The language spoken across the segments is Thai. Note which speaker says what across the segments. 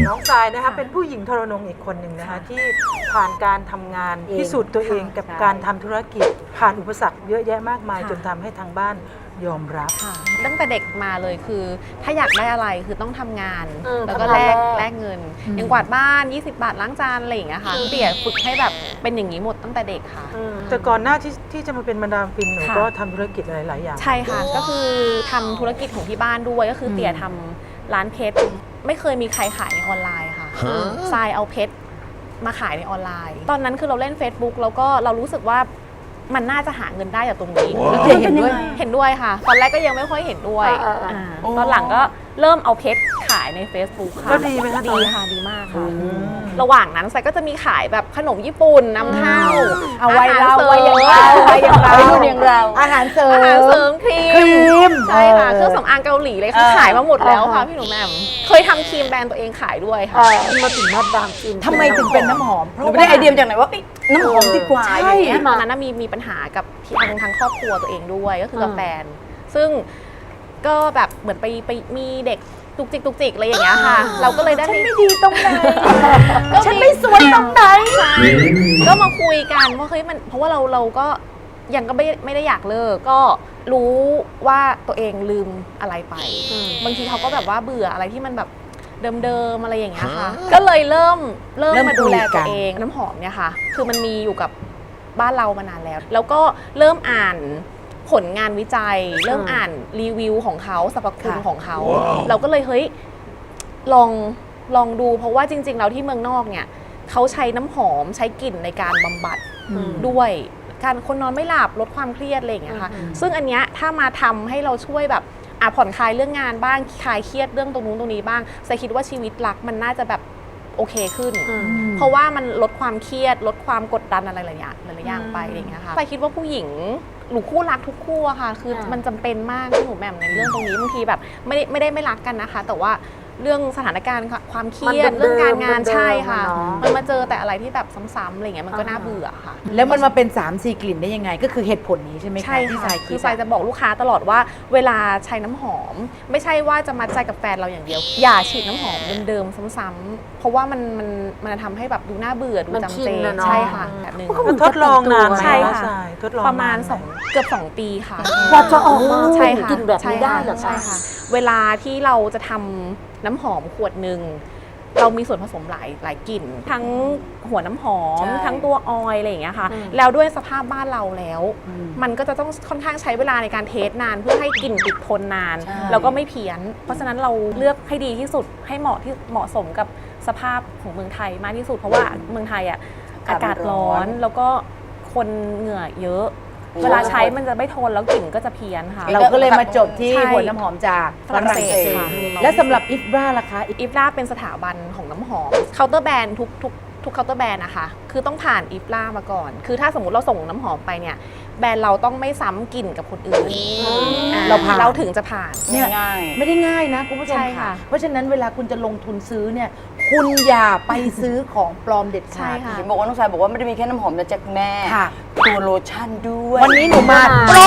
Speaker 1: น้องทรายนะคะเป็นผู้หญิงทรนงอีกคนหนึ่งนะคะที่ผ่านการทำงานพิสูจน์ตัวเองกับการทำธุรกิจผ่านอุปสรรคเยอะแยะมากมายจนทำให้ทางบ้านยอมรับ
Speaker 2: ตั้งแต่เด็กมาเลยคือถ้าอยากได้อะไรคือต้องทำงานแล้วก็แลกเงินอย่างกวาดบ้าน20 บาทล้างจานอะไรอย่างเงี้ยค่ะเตี่ยฝึกให้แบบเป็นอย่างนี้หมดตั้งแต่เด็กค่ะ
Speaker 1: แต่ก่อนหน้าที่จะมาเป็นมาดามฟินหนูก็ทำธุรกิจหลายๆอย่าง
Speaker 2: ใช่ค่ะก็คือทำธุรกิจของที่บ้านด้วยก็คือเตี่ยทำร้านเพชรไม่เคยมีใครขายในออนไลน์ค่ะทรายเอาเพชรมาขายในออนไลน์ตอนนั้นคือเราเล่น Facebook แล้วก็เรารู้สึกว่ามันน่าจะหาเงินได้จากตรงนี้เห็นด้วยค่ะตอนแรกก็ยังไม่ค่อยเห็นด้วยตอนหลังก็เริ่มเอาเพชรขายใน Facebook ค่ะ
Speaker 1: ก็ดีไหมคะ
Speaker 2: ดีค่ะดีมากค่ะระหว่างนั้นไซก็จะมีขายแบบขนมญี่ปุ่นน้ำข้าว
Speaker 3: เอาไว้เราไว้อย่างเราอาหารเสริ
Speaker 2: มครีมใช่ค่ะเครื่องสำอางเกาหลีเลยคือขายมาหมดแล้วค่ะพี่หนูแม่เคยทำครีมแบรนด์ตัวเองขายด้วยค่ะ
Speaker 1: มาถึงมาดามฟิน
Speaker 3: ทำไมถึงเป็นน้ำหอมเพราะได้ไอเดียจากไหนว่าน้ำหอมดีกว่า
Speaker 2: ใช่ตอนนั้นมีปัญหากับทางครอบครัวตัวเองด้วยก็คือกับแฟนซึ่งก็แบบเหมือนไปมีเด็กตุกจิกอะไรอย่างเงี้ยค่ะเราก็เลยได้
Speaker 3: ฉันไม่ดีตรงไหนฉันไม่สวยตรงไหน
Speaker 2: ก็มาคุยกันว่าเฮ้ยมันเพราะว่าเราก็ยังก็ไม่ได้อยากเลิกก็รู้ว่าตัวเองลืมอะไรไปบางทีเขาก็แบบว่าเบื่ออะไรที่มันแบบเดิมๆอะไรอย่างเงี้ยค่ะก็เลยเริ่มมาดูแลตัวเองน้ำหอมเนี่ยค่ะคือมันมีอยู่กับบ้านเรามานานแล้วแล้วก็เริ่มอ่านผลงานวิจัยเริ่มอ่านรีวิวของเขาสรรพคุณของเขาเราก็เลยเฮ้ยลองดูเพราะว่าจริงๆแล้วที่เมืองนอกเนี่ยเขาใช้น้ำหอมใช้กลิ่นในการบำบัดด้วยการคนนอนไม่หลับลดความเครียดอะไรอย่างเงี้ยค่ะซึ่งอันเนี้ยถ้ามาทำให้เราช่วยแบบผ่อนคลายเรื่องงานบ้างคลายเครียดเรื่องตรงนู้นตรงนี้บ้างแต่คิดว่าชีวิตรักมันน่าจะแบบโอเคขึ้นเพราะว่ามันลดความเครียดลดความกดดันอะไรหลายอย่างไปอย่างเงี้ยค่ะแต่คิดว่าผู้หญิงหรือคู่รักทุกคู่อะค่ะคือมันจำเป็นมากที่หนูแหม่มในเรื่องตรงนี้บางทีแบบไม่รักกันนะคะแต่ว่าเรื่องสถานการณ์ความเครียดเรื่องการงานใช่ค่ะมันมาเจอแต่อะไรที่แบบซ้ำๆอะไรเงี้ยมันก็น่าเบื่อค่ะ
Speaker 3: แล้วมันมาเป็น3-4 กลิ่นได้ยังไงก็คือเหตุผลนี้ใช่ไหมคะที่ทราย
Speaker 2: คือทรายจะบอกลูกค้าตลอดว่าเวลาใช้น้ำหอมไม่ใช่ว่าจะมัดใจกับแฟนเราอย่างเดียวอย่าฉีดน้ำหอมเดิมๆซ้ำๆเพราะว่ามันทำให้แบบดูน่าเบื่อดูจำเจใช่ค่ะแบบนึง
Speaker 1: ทดลองนาน
Speaker 2: ใช่ค่ะ
Speaker 1: ทดลอง
Speaker 2: ประมาณเกือบ2 ปีค่ะ
Speaker 3: กว่าจะออกมา
Speaker 2: ใช่ค่ะ
Speaker 3: กินแบบนี้ได้เหรอ
Speaker 2: ใช่ค่ะเวลาที่เราจะทำน้ำหอมขวดหนึ่งเรามีส่วนผสมหลายกลิ่นทั้งหัวน้ำหอมทั้งตัวออยล์อะไรอย่างเงี้ยค่ะแล้วด้วยสภาพบ้านเราแล้วมันก็จะต้องค่อนข้างใช้เวลาในการเทสนานเพื่อให้กลิ่นติดทนนานแล้วก็ไม่เพี้ยนเพราะฉะนั้นเราเลือกให้ดีที่สุดให้เหมาะสมกับสภาพของเมืองไทยมากที่สุดเพราะว่าเมืองไทยอ่ะอากาศร้อนแล้วก็คนเหงื่อเยอะเวลาใช้มันจะไม่ทนแล้วกลิ่นก็จะเพี้ยนค่ะ
Speaker 3: เราก็เลยมาจบที่หัวน้ำหอมจากฝรั่งเศสค่ะและสำหรับอิฟราล่ะคะ
Speaker 2: อิฟราเป็นสถาบันของน้ำหอมเคาน์เตอร์แบรนด์ทุกเคาน์เตอร์แบรนด์นะคะคือต้องผ่านอิฟรามาก่อนคือถ้าสมมติเราส่งน้ำหอมไปเนี่ยแบรนด์เราต้องไม่ซ้ำกลิ่นกับคนอื่นเราถึงจะผ่าน
Speaker 3: เนี่ยไม่ได้ง่ายนะคุณผู้ชมค่ะเพราะฉะนั้นเวลาคุณจะลงทุนซื้อเนี่ยคุณอย่าไปซื้อของปลอมเด็ดขาด
Speaker 4: เห็นบอกว่าน้องสายบอกว่าไม่ได้มีแค่น้ำหอมนะจ๊ะแม่ตัวโลชั่นด้วย
Speaker 3: วันนี้หนูมา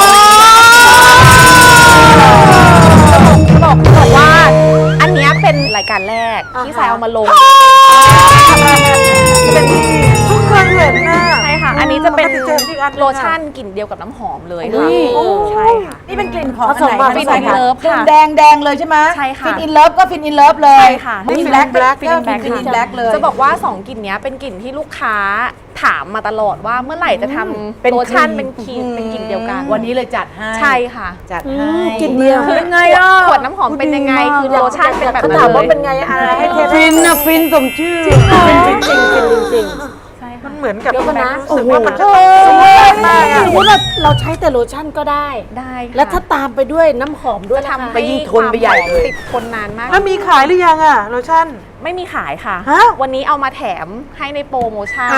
Speaker 2: บอกว่าอันนี้เป็นรายการแรกที่สายเอามาลง
Speaker 1: เป็นทุกคนเห็นนะ
Speaker 2: ใช่ค่ะอันนี้จะเป็นโลชั่นกลิ่นเดียวกับน้ำหอมเลยค่ะใช่ค่ะ
Speaker 3: นี่เป็นกลิ่นของ
Speaker 2: ฟินอินเลิฟค่ะ
Speaker 3: แดงเลยใช่ไหม
Speaker 2: ใช่ค่ะ
Speaker 3: ฟินอินเลิฟก็ฟินอินเลิฟเลย
Speaker 2: ใช่ค่ะ
Speaker 3: ฟินแบล็กก็ฟินอินแบล็กเลย
Speaker 2: จะบอกว่า2กลิ่นนี้เป็นกลิ่นที่ลูกค้าถามมาตลอดว่าเมื่อไหร่จะทำโลชั่นเป็นกลิ่นเดียวกัน
Speaker 3: วันนี้เลยจัดให้
Speaker 2: ใช่ค่ะ
Speaker 3: จัดให้
Speaker 1: กลิ่นเดียว
Speaker 2: เป็นไงอ่ะขวดน้ำหอมเป็นยังไงคือโลชั่นเป็นแบบนั้นเลย
Speaker 1: ถามว่าเป็นไงอะไรให้เท
Speaker 3: ฟินนะฟินสมชื่อ
Speaker 1: จริงมันเหมือนกับ
Speaker 5: นะ
Speaker 1: รู้สึกว่ามันจะ
Speaker 5: มากสมมติว่าเราใช้แต่โลชั่นก็ได้แล้วถ้าตามไปด้วยน้ำหอมด้วย
Speaker 2: ทำ
Speaker 3: ไปยิ่งทนไปใหญ่เลย
Speaker 2: ติดทนนานมาก
Speaker 1: แล้วมีขายหรือยังอะโลชั่น
Speaker 2: ไม่มีขายค่ะวันนี้เอามาแถมให้ในโปรโมชั่น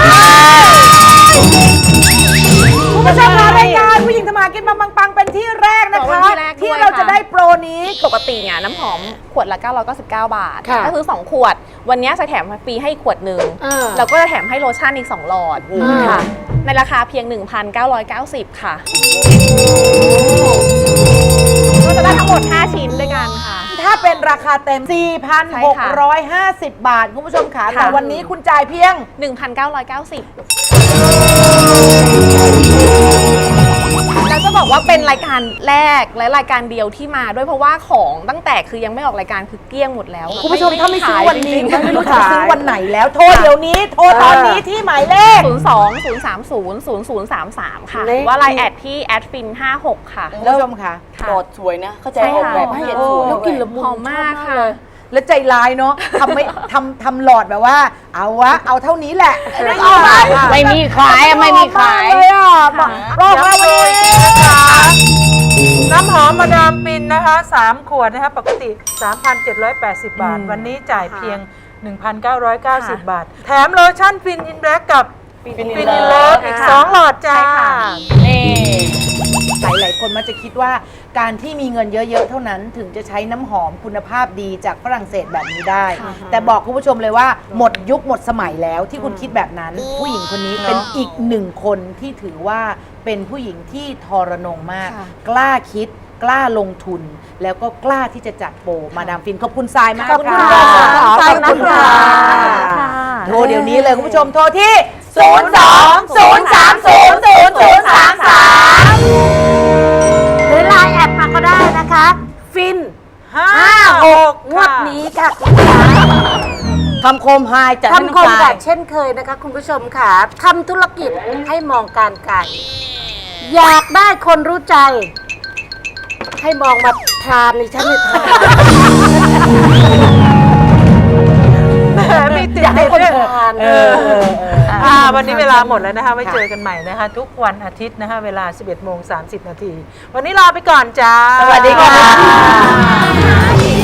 Speaker 3: คุณผู้ชมคะรายการผู้หญิงทำมากินปังๆเป็นที่แรกนะคะที่เราจะได้โปรนี้
Speaker 2: ปกติเนี่ยน้ำหอมขวดละ999 บาทก็คือ2ขวดวันนี้จะแถมฟรีให้ขวดหนึ่งแล้วก็จะแถมให้โลชั่นอีก2 หลอดค่ะในราคาเพียง 1,990 ค่ะก็จะได้ทั้งหมด5 ชิ้นด้วยกันค่ะ
Speaker 3: ถ้าเป็นราคาเต็ม 4,650 บาท คุณผู้ชมขาแต่วันนี้คุณจ่ายเพียง
Speaker 2: 1,990 แล้วจะบอกว่าเป็นรายการแรกและรายการเดียวที่มาด้วยเพราะว่าของตั้งแต่คือยังไม่ออกรายการคือเกลี้ยงหมดแล้ว
Speaker 3: คุณผู้ชมถ้าไม่ซื้อวันนี้
Speaker 2: จริงๆ
Speaker 3: ไม่รู้จะซื้อวันไหนแล้ว โทรเดี๋ยวนี้ โทรตอนนี้ที่หมายเลข
Speaker 2: 02-030-0033 ค่ะหรือว่าไลน์แอดที่@fin56 ค่ะ
Speaker 3: คุณผู้ชมค่ะ
Speaker 4: โดดสวยนะ เข้าใจ
Speaker 2: ใช่
Speaker 4: ออก
Speaker 2: ค่ะ
Speaker 4: แบบให้เห็นสวย
Speaker 5: แล้วกลิ่นละมุน
Speaker 2: หอมมากค่ะ
Speaker 3: แล้วใจร้ายเนาะทำหลอดแบบว่า เอาเท่านี้แหละ
Speaker 4: ไม่มีขายอะไม่มีขาย
Speaker 3: เลยอ่ะบอกว่าวันนี้
Speaker 1: น้ำหอมมาดามฟินนะคะ3 ขวดนะคะปกติ 3,780 บาท วันนี้จ่ายเพียง 1,990 บาท แถมโลชั่นฟินอินแบล็กกับฟินอินเลิฟอีก 2 หลอดจ้า
Speaker 2: ใช่ค่ะ
Speaker 4: นี่
Speaker 3: หลายคนมักจะคิดว่าการที่มีเงินเยอะๆเท่านั้นถึงจะใช้น้ำหอมคุณภาพดีจากฝรั่งเศสแบบนี้ได้ แต่บอกคุณผู้ชมเลยว่าหมดยุคหมดสมัยแล้วที่คุณคิดแบบนั้น ผู้หญิงคนนี้เป็นอีกหนึ่งคนที่ถือว่าเป็นผู้หญิงที่ทรนงมาก
Speaker 2: ค่ะ
Speaker 3: กล้าคิดกล้าลงทุน แล้วก็กล้าที่จะจัดโปรมาดามฟินขอบคุณทรายมาก
Speaker 5: ขอบคุณ
Speaker 3: ค่ะ
Speaker 5: ค่ะ
Speaker 3: ขอบคุณค่ะ
Speaker 2: ค่ะ
Speaker 3: โทรเดี๋ยวนี้เลยคุณผู้ชมโทรที่ 02-030-0033
Speaker 5: หรือไลน์แอดมาก็ได้นะคะ ฟิน
Speaker 1: 56
Speaker 5: งวดนี้ค่ะ
Speaker 4: คำคมไฮจัดให้น้อง
Speaker 5: คำคม
Speaker 4: ทรา
Speaker 5: แบ
Speaker 4: ย
Speaker 5: บเช่นเคยนะคะ คุณผู้ชมค่ะทำธุรกิจให้มองการไกลอยากได้คนรู้ใจ ให้มองมาทานในชั้นในทาน
Speaker 1: แหมมีติด
Speaker 5: อยากให้คน
Speaker 1: ด้วย
Speaker 5: ทาน
Speaker 1: วันนี้เวลาหมดแล้วนะคะไว้เจอกันใหม่นะคะ ทุกวันอาทิตย์นะคะเวลา 11:30 น. วันนี้ลาไปก่อนจ้า
Speaker 3: สวัสดีค่ะ